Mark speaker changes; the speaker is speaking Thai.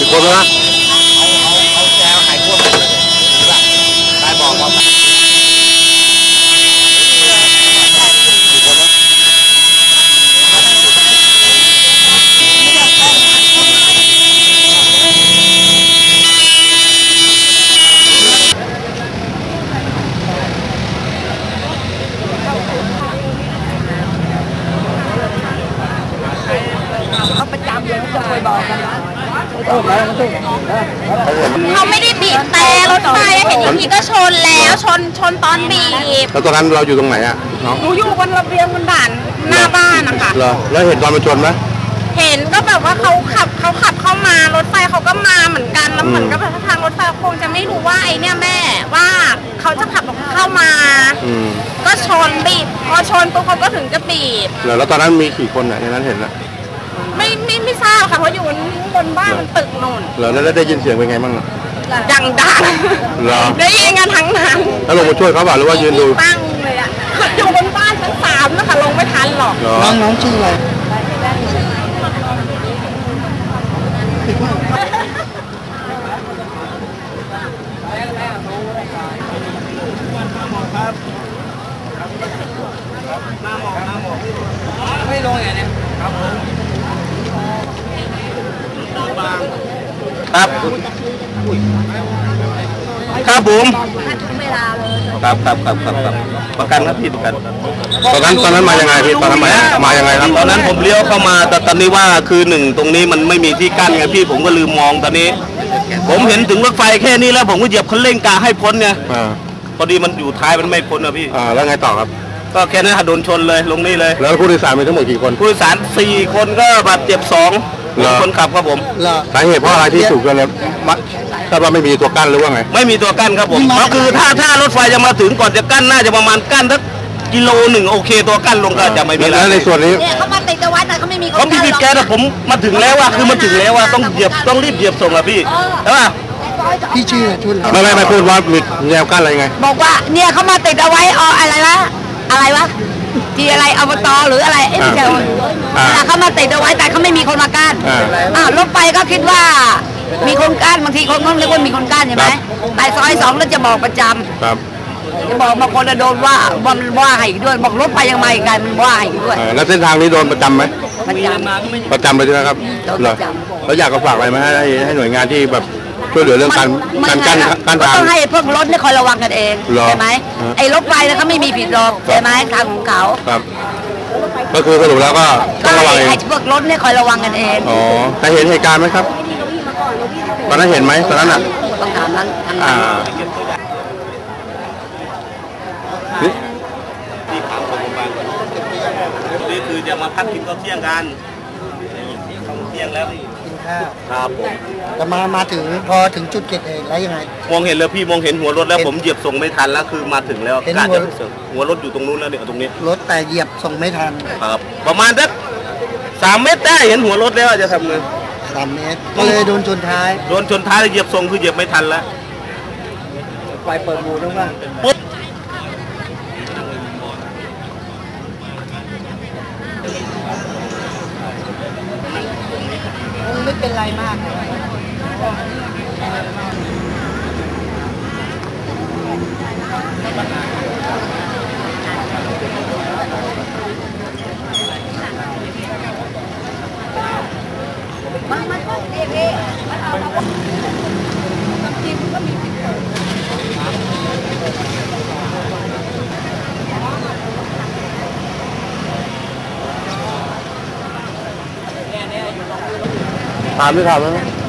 Speaker 1: คนนะ
Speaker 2: เอาแจวหายขั้วมันเลยดีป่ะได้บอกว่า
Speaker 3: เขาประจำเลยจะเคยบอกกัน
Speaker 4: เขาไม่ได้บีบแต่รถไฟเห็นอีกทีก็ชนแล้วชนตอนบีบ
Speaker 1: แล้วตอนนั้นเราอยู่ตรงไหนอ่ะน้อง
Speaker 4: หนูอยู่บนระเบียงบนด่านหน้าบ้านนะคะ
Speaker 1: เหรอแล้วเห็นตอนมันชนไหม
Speaker 4: เห็นก็แบบว่าเขาขับเข้ามารถไฟเขาก็มาเหมือนกันแล้วเหมือนกับทางรถไฟคงจะไม่รู้ว่าไอ้เนี่ยแม่ว่าเขาจะขับเข้ามาก็ชนบีบพอชนปุ๊บเขาก็ถึงจะบีบ
Speaker 1: แล้วตอนนั้นมีกี่คนอ่ะในนั้นเห็นแล้ว
Speaker 4: ไม่ทราบค่ะเพราะอยู่บนบ้านมันตึกโน่น
Speaker 1: แล้วได้ยินเสียงเป็นไงบ้าง
Speaker 4: ดังได้ยินกันทั้งนั้น
Speaker 1: แล้วลงมาช่วยเขาเปล่าหรือว่ายืนดู
Speaker 4: ตั้งเลยอ่ะอยู่บนบ้านชั้น3นะคะลงไม่ทันหรอก
Speaker 3: น้องชื่ออะไรไม่ลงอย่างนี้ครับผม
Speaker 2: ครับครับผมครับประกันครับพี่ประกัน
Speaker 1: ตอนนั้นมายังไงพี่ตอนนั้นมายังไงครับ
Speaker 2: ตอนนั้นผมเลี้ยวเข้ามาแต่ตอนนี้ว่าคือ1ตรงนี้มันไม่มีที่กั้นไงพี่ผมก็ลืมมองตอนนี้ผมเห็นถึงรถไฟแค่นี้แล้วผมก็เหยียบคันเร่งกาให้พ้นไงพอดีมันอยู่ท้ายมันไม่พ้นนะพี่
Speaker 1: แล้วไงต่อครับ
Speaker 2: ก็แค่นั้นโดนชนเลยลงนี่เลย
Speaker 1: แล้วผู้โดยสารมีทั้งหมดกี่คน
Speaker 2: ผู้โดยสาร4คนก็บาดเจ็บ2คนขับครับผม
Speaker 1: สาเหตุเพราะอะไรที่ถูกกันเลยถ้าว่าไม่มีตัวกั้นหรือว่าไง
Speaker 2: ไม่มีตัวกั้นครับผมก็คือถ้ารถไฟจะมาถึงก่อนจะกั้นน่าจะประมาณกั้นสักกิโล1โอเคตัวกั้นลงก็จะไม่มี
Speaker 1: แล้วในส่วนนี้
Speaker 4: เขามาติดเอาไว้แต่เขาไม่มี
Speaker 2: เขาบีบแกแต่ผมมาถึงแล้วว่าคือมันถึงแล้วว่าต้องรีบเหยียบส่งอะพี่ใช่ป่ะ
Speaker 3: พี่ชื่อชุน
Speaker 1: ไม่พูดว่ามีแนวกั้นอะไรไง
Speaker 4: บอกว่าเนี่ยเขามาติดเอาไว้อะไรวะที่อะไรอบตหรืออะไรไม่ใช่เขามาติดเอาไว้แต่เขาไม่มีคนมากั้นรถไฟก็คิดว่ามีคนกั้นบางทีคนก็เรียกว่ามีคนกั้นใช่ไหมแต่ซอย2แล้วจะบอกประจำจะบอกบางคนจะโดนว่าให้ด้วยบอกรถไฟยังมาอีกไงมันว่าให้ด้วย
Speaker 1: แล้วเส้นทางนี้โดนประจำไหม
Speaker 4: ประจ
Speaker 1: ำเลยใช่ไหมครับแล้วอยากฝากอะไรไหมให้หน่วยงานที่แบบช่วยเหลือเรื่องการกั้นทาง
Speaker 4: ต้องให้พวกรถเนี่ยคอยระวังกันเองใช่ไหมไอ้รถไฟเนี่ยเขาไม่มีผิดหรอกใช่ไหมทางของเขา
Speaker 1: ครับก็คือสรุปแล้วก็ต้องระวัง
Speaker 4: ให้พวกรถเนี่ยคอยระวังกันเอง
Speaker 1: แต่เห็นเหตุการณ์ไหมครับตอนนั้นเห็นไหมตอนนั้นอ่ะ
Speaker 4: ต้องถามนั้น
Speaker 2: ที่ขาวของโรงพยาบาลนี่คือจะมาพักกินข้าวเที่ยงกันเที่ยงแล้ว
Speaker 3: กินข้าว
Speaker 2: ครับผม
Speaker 3: แต่มาถึงพอถึงจุดเกิดเหตุแล้วยังไง
Speaker 2: มองเห็นเลยพี่มองเห็นหัวรถแล้วผมเหยียบส่งไม่ทันแล้วคือมาถึงแล้วการจะหัวรถอยู่ตรงนู้นแล้วเนี่ยตรงนี้
Speaker 3: รถแต่เหยียบส่งไม่ทัน
Speaker 2: ครับประมาณสัก3 เมตรได้เห็นหัวรถแล้วจะทำไง
Speaker 3: 3 เมตรก็เลยโดนชนท้าย
Speaker 2: เหยียบส่งคือเหยียบไม่ทันแล้ว
Speaker 3: ไฟเปิดบูต้องว่า
Speaker 2: ปุ๊บ
Speaker 3: ไม่เป็นไรมาก
Speaker 1: ถามหรือถามไหม